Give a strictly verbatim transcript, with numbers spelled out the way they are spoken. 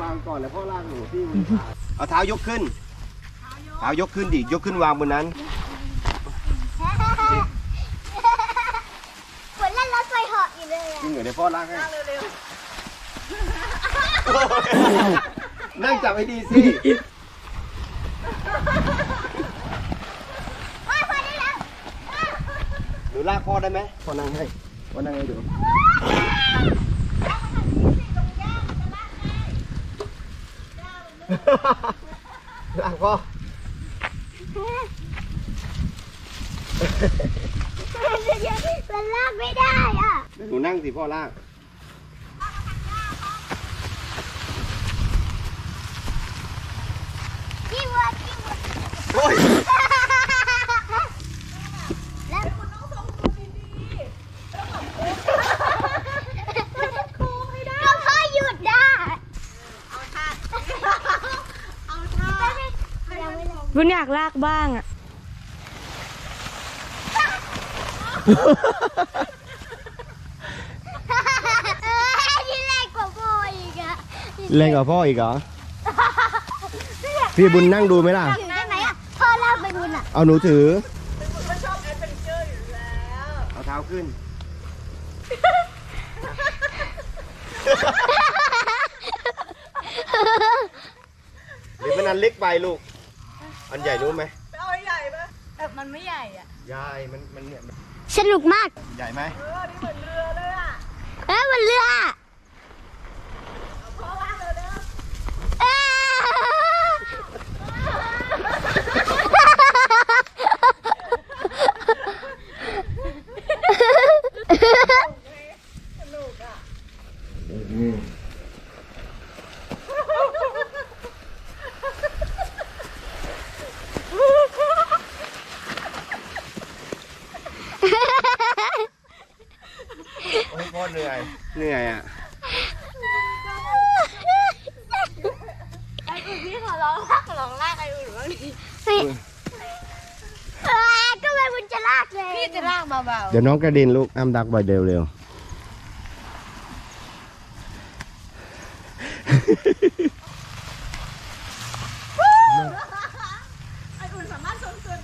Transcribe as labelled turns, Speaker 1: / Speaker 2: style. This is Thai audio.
Speaker 1: วางก่อนแล้วพ่อลากหนูพี่มือเอาเท้ายกขึ้นเท้ายกขึ้นดิยกขึ้นวางบนนั้น
Speaker 2: ฝนเล่นรถไฟเหาะอยู่เลย
Speaker 1: จริงเหรอเดี๋ยวพ่อลากให้นั่งจับให้ดีสิหนูลากพ่อได้ไหมพ่อนั่งให้พ่อนั่งให้ดูลากพ่อ
Speaker 2: มันลากไม่ได้อ่ะ
Speaker 1: หนูนั่งสิพ่อลาก
Speaker 2: จิ้มวัวจิ้มวัว
Speaker 1: โอ้ย
Speaker 2: แล้วคุณต้องทรงตัวดีๆแล้วแบบโค้งให้ได้ก็พ่อหยุดได้เอาท่าเอาท่า
Speaker 3: บุญอยากลากบ้างอ่ะ
Speaker 2: ที่แรงกว่าพ่ออีกอะ
Speaker 1: แรงกว่าพ่ออีกเหรอพี่บุญนั่งดูไหมล่ะ
Speaker 2: ถือได้ไหมอะพ่อลากไปบุญอะ
Speaker 1: เอาหนูถือ
Speaker 3: บุญก็ชอบแอดเวนเจอร์อยู่แล้ว
Speaker 1: เอาเท้าขึ้นหรือมันอันเล็กไปลูกอันใหญ่รู้ไหม
Speaker 3: เอาใหญ่ปะแต่มันไม่ใหญ่อ่ะ
Speaker 1: ใหญ่มันมันเนี่ย
Speaker 2: สนุกมาก
Speaker 1: ใหญ่ไหม
Speaker 3: เออนี่เหมือนเรือเลยอ่ะ
Speaker 2: เอ้ยมันเรือ
Speaker 3: พ่อลากเลยเด้อ
Speaker 2: เอ้
Speaker 3: สนุกอ่ะ
Speaker 1: โอ้ยพ่อเหนื่อยเหนื่อยอ่ะ
Speaker 3: ไอ้อุ่นพี่ขอร้องลากขอร้องลากไอ้อุ่นบ้างดิ
Speaker 2: ก็ไม่บุญจะลากเลย
Speaker 3: พี่จะลากเบาๆ
Speaker 1: เดี๋ยวน้องกระเด็นลูกอ้ำดักบ่อยเร็วเร็ว
Speaker 3: ไอ้อุ่นสามารถทรงตัว